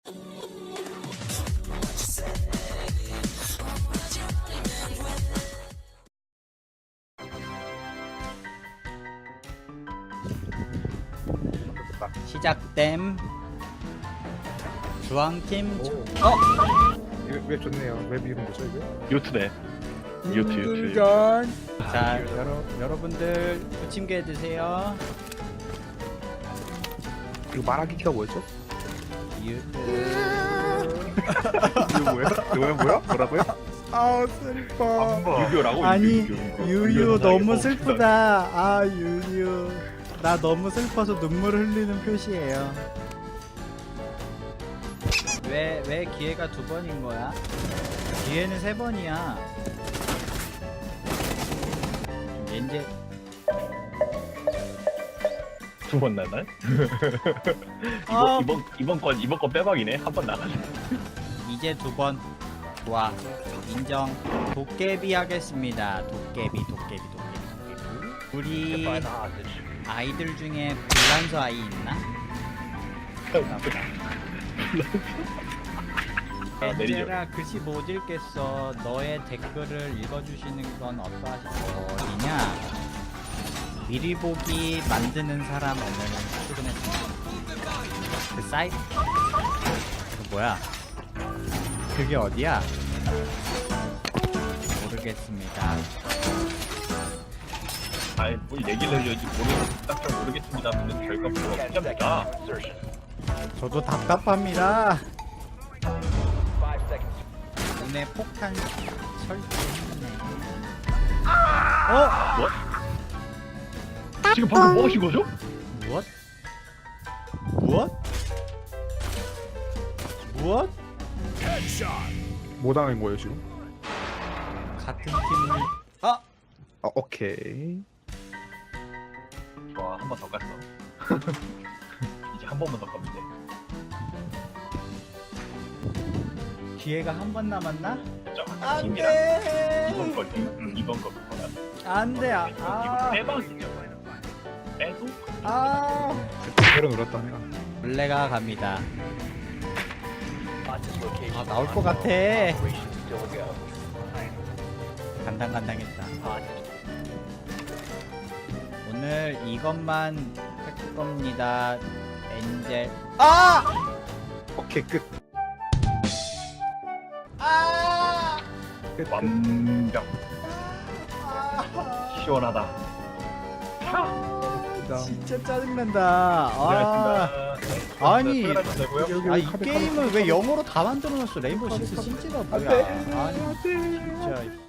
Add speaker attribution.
Speaker 1: 시작됨. 주황팀.
Speaker 2: 왜 좋네요. 왜 미운 거죠 이거?
Speaker 3: 요트네. 요트.
Speaker 1: 자, 여러분들 부침개 드세요.
Speaker 2: 이거 말하기 키가 뭐였죠?
Speaker 1: 유튜.
Speaker 2: 이거 뭐야? 뭐라고요?
Speaker 1: 아 슬퍼.
Speaker 3: 유교라고?
Speaker 1: 아니 유유 너무 슬프다. 아 유유. 나 너무 슬퍼서 눈물 흘리는 표시예요. 왜 기회가 2번인 거야? 기회는 3번이야. 이제
Speaker 3: 2번 나나? 이번 건 빼박이네. 한 번 나가자.
Speaker 1: 이제 2번. 좋아. 인정. 도깨비 하겠습니다. 도깨비. 우리 아이들 중에 불란서 아이 있나? 엔젤아 글씨 못 읽겠어. 너의 댓글을 읽어주시는 건 어떠하시냐? 미리 보기 만드는 사람 오늘 출근했습니다. 그 사이트 이거 뭐야? 그게 어디야? 모르겠습니다.
Speaker 3: 아이 뭘 얘기를 해야지. 모르겠습니다. 하면 결과 뭐가 없습니다.
Speaker 1: 저도 답답합니다. 눈에 폭탄 설치했네.
Speaker 3: 뭐? 지금 방금 뭐 하신 거죠?
Speaker 1: 무엇?
Speaker 2: 뭐 당한 거예요 지금?
Speaker 1: 같은 팀을 아!
Speaker 2: 아 오케이.
Speaker 3: 좋아, 한 번 더 갔어. 이제 한 번만 더 가면 돼.
Speaker 1: 기회가 한 번 남았나?
Speaker 3: 자, 팀이랑 이번 거 그거야.
Speaker 1: 안돼.
Speaker 3: 이거 빼박이죠. 빼도
Speaker 2: 배로 놀았다 내가.
Speaker 1: 원래가 갑니다. 아 나올 것 같아. 간당간당했다. 오늘 이것만 할 겁니다. 엔젤.
Speaker 2: 오케이 끝. 끝.
Speaker 3: 완벽. 시원하다.
Speaker 1: 진짜 짜증난다. 아니, 이 게임을 왜 영어로 다 만들어놨어? 레인보우 식스 시즈가 뭐야? 아니 진짜.